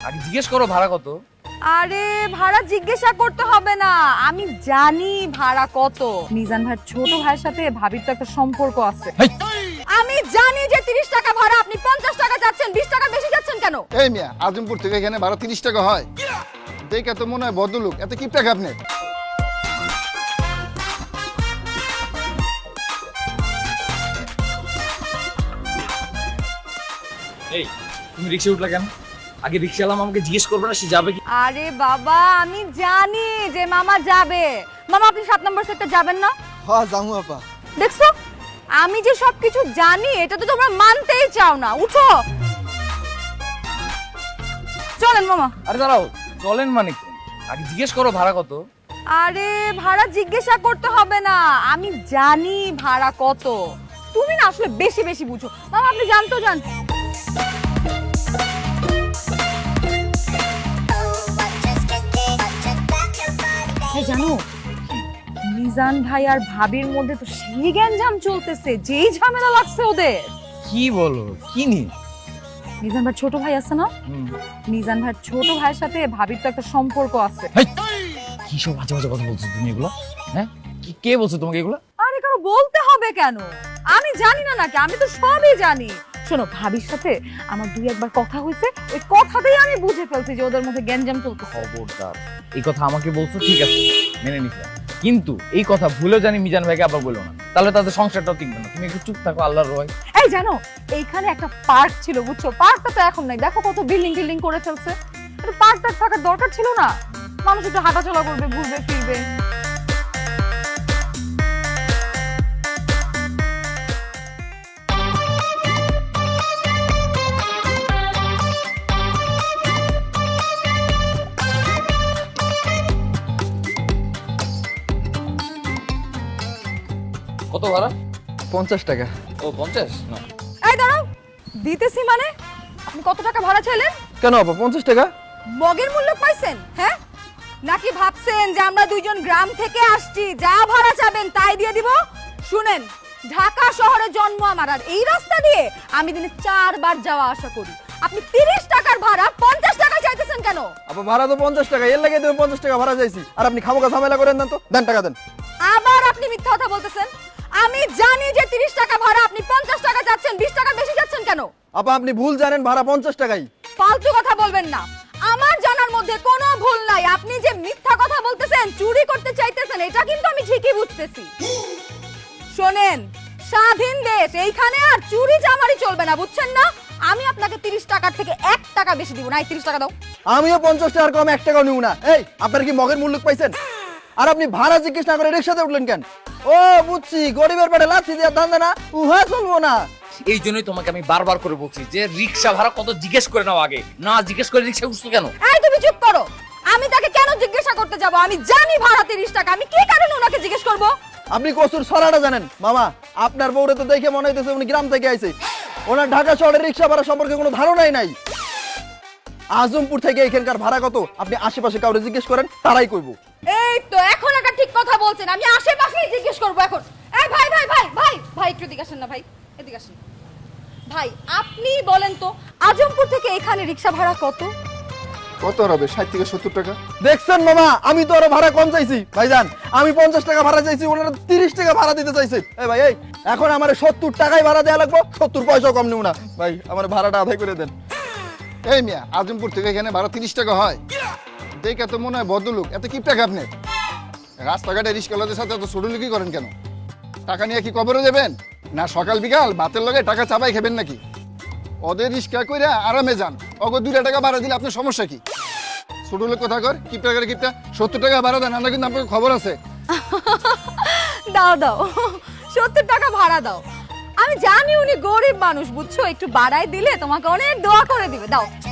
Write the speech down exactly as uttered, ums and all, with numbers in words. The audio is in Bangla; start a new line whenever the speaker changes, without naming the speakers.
আগে জিজ্ঞেস করো ভাড়া কত।
আরে ভাড়া জিজ্ঞাসা করতে হবে না, আমি জানি ভাড়া কত। মিজান ভাইয়ের ছোট ভাইয়ের সাথে ভাবির তো একটা সম্পর্ক আছে।
হেই!
আমি জানি যে তিরিশ টাকা ভাড়া, আপনি পঞ্চাশ টাকা যাচ্ছেন, বিশ টাকা বেশি যাচ্ছেন কেন?
এই মিয়া, আজমপুর থেকে এখানে ভাড়া তিরিশ টাকা হয়? দেখে তো মনে হয় ভদ্রলোক। এত কি টাকা আপনি?
এই তুমি রিক্সা উঠলা কেন? আগে রিক্সাওয়ালা আমাকে জিজ্ঞেস করবে না সে যাবে কি?
আরে বাবা, আমি জানি যে মামা যাবে। মামা আপনি সাত নম্বর সেক্টর যাবেন না?
হ্যাঁ জামু আপা।
দেখছো, আমি যে সবকিছু জানি এটা তো তোমরা মানতেই চাও না। উঠো, চলেন মামা।
আরে দাঁড়াও, চলেন মানে কি? আগে জিজ্ঞেস করো ভাড়া কত।
আরে ভাড়া জিজ্ঞাসা করতে হবে না, আমি জানি ভাড়া কত। তুমি না আসলে বেশি বেশি বুঝো। মামা আপনি জানতো জান। এই জানো, মিজান ভাই আর ভাবির মধ্যে তো সেই গ্যাঞ্জাম চলতেছে, যেই ঝামেলা লাগছে ওদের।
কি বলো? কি নি?
মিজান ভাই ছোট ভাই আছে না, মিজান ভাইয়ের ছোট ভাইয়ের সাথে ভাবির তো একটা সম্পর্ক আছে।
কি সব বাজে বাজে কথা বলছো তুমি এগুলো? হ্যাঁ, কি কে বলছো তোমাকে এগুলো?
আরে কারো বলতে হবে কেন? আমি জানি না নাকি? আমি তো সবই জানি। শোনো, ভাবির সাথে আমার দুই একবার কথা হয়েছে, ওই কথাতেই আমি বুঝে ফেলছি যে ওদের মধ্যে গ্যাঞ্জাম চলতেছে।
খবরদার এই কথা আমাকে বলছো, ঠিক আছে মেনে নিলাম, কিন্তু এই কথা ভুলেও জানি মিজান ভাইকে আবার বলো না, তাহলে তাদের সংসারটাও টিকবে না। তুমি একটু চুপ থাকো, আল্লাহর রয়।
এই জানো, এইখানে একটা পার্ক ছিল বুঝছো, পার্কটা তো এখন নাই। দেখো কত বিল্ডিং টিল্ডিং করে ফেলছে। এটা পার্কটা থাকার দরকার ছিল না? মানুষ একটু হাঁটাচলা করবে, ঘুরবে ফিরবে।
কত ভাড়া?
পঞ্চাশ টাকা।
ও পঞ্চাশ না।
এই দাঁড়াও, দিতেছি মানে? আপনি কত টাকা ভাড়া চাইলেন?
কেন আপা পঞ্চাশ টাকা?
মগের মূল্য পাইছেন হ্যাঁ? নাকি ভাবছেন যে আমরা দুইজন গ্রাম থেকে আসছি, যা ভাড়া চাবেন তাই দিয়ে দিব? শুনেন, ঢাকা শহরে জন্ম আমার, আর এই রাস্তা দিয়ে আমি দিনে চারবার যাওয়া আসা করি। আপনি তিরিশ টাকার ভাড়া পঞ্চাশ টাকা চাইতেছেন কেন?
আপা ভাড়া তো পঞ্চাশ টাকা, এর লাগে তুমি পঞ্চাশ টাকা ভাড়া চাইছি। আর আপনি খামোখা ঝামেলা করেন না তো, দেন টাকা দেন।
আবার আপনি মিথ্যা কথা বলতেছেন। আমি জানি যে তিরিশ টাকা ভাড়া, আপনি পঞ্চাশ টাকা যাচ্ছেন, বিশ টাকা বেশি যাচ্ছেন কেন?
আপা আপনি ভুল জানেন, ভাড়া পঞ্চাশ টাকাই।
ফালতু কথা বলবেন না, আমার জানার মধ্যে কোনো ভুল নাই। আপনি যে মিথ্যা কথা বলতেছেন, চুরি করতে চাইতেছেন, এটা কিন্তু আমি ঠিকই বুঝতেছি। শোনেন, স্বাধীন দেশ, এইখানে আর চুরি চামারি চলবে না, বুঝছেন না? আমি আপনাকে তিরিশ টাকা থেকে এক টাকা বেশি দিব না। এই তিরিশ টাকা দাও।
আমিও পঞ্চাশ টাকার কম এক টাকাও নিব না। এই আপনার কি মগের মূল্য পাইছেন? আর আপনি ভাড়া জিজ্ঞেস না করে রিক্সাতে উঠলেন কেন? ও বুঝছি, গরিবের পেটে লাথি দিয়ে ধান্দা না, উহা চলবো না।
এই জন্যই তোমাকে আমি বারবার করে বলছি যে রিক্সা ভাড়া কত জিজ্ঞেস করে নাও আগে, না জিজ্ঞেস করে রিক্সা উঠছো কেন?
এই তুমি চুপ করো। আমি তাকে কেন জিজ্ঞাসা করতে যাব? আমি জানি ভাড়া তিরিশ টাকা, আমি কি কারণে ওনাকে জিজ্ঞেস করব?
আপনি কসুর ছড়াটা জানেন মামা? আপনার বউরে তো দেখে মনে হইতেছে উনি গ্রাম থেকে আইছে। ওনার ঢাকা শহরের রিক্সা ভাড়া সম্পর্কে কোনো ধারণাই নাই। আজমপুর থেকে এখানকার ভাড়া কত আপনি আশেপাশে কাউরে জিজ্ঞেস করেন, তারাই কইব।
এই তো এখন একটা ঠিক কথা বলছেন, আমি আশেপাশেই জিজ্ঞেস করব এখন। এই ভাই ভাই ভাই ভাই ভাই একটু এদিকে আসেন না ভাই, এদিকে আসেন। ভাই আপনি বলেন তো, আজমপুর থেকে এখানে রিক্সা ভাড়া কত?
কত হবে? ষাট থেকে সত্তর টাকা।
দেখছেন মামা, আমি তো আরো ভাড়া কম চাইছি। ভাইজান আমি পঞ্চাশ টাকা ভাড়া চাইছি, ওনারা তিরিশ টাকা ভাড়া দিতে চাইছে। এই ভাই এই এখন আমার সত্তর টাকায় ভাড়া দেওয়া লাগবে, সত্তর পয়সাও কম নেব না। ভাই আমার ভাড়াটা আদায় করে দেন।
এই মিয়া, আজমপুর থেকে এখানে ভাড়া তিরিশ টাকা হয়? দেখে তো মনে হয় ভদ্রলোক। এত কি টাকা আপনি? রাস্তাঘাটে রিক্সাওয়ালাদের সাথে এত ছোটলুকি করেন কেন? টাকা নিয়ে কি কবরে দেবেন? না সকাল বিকাল ভাতের লগে টাকা চাপাই খাবেন নাকি? ওদের রিক্সা কইরা আরামে যান, অগো দুইটা টাকা ভাড়া দিলে আপনার সমস্যা কি? ছোট লোক কথা কর, কিপটা করে কিপটা সত্তর টাকা ভাড়া দেন, আমরা কিন্তু আপনার খবর আছে।
দাও দাও, সত্তর টাকা ভাড়া দাও। আমি জানি উনি গরিব মানুষ, বুঝছো, একটু বাড়াই দিলে তোমাকে অনেক দোয়া করে দিবে। দাও।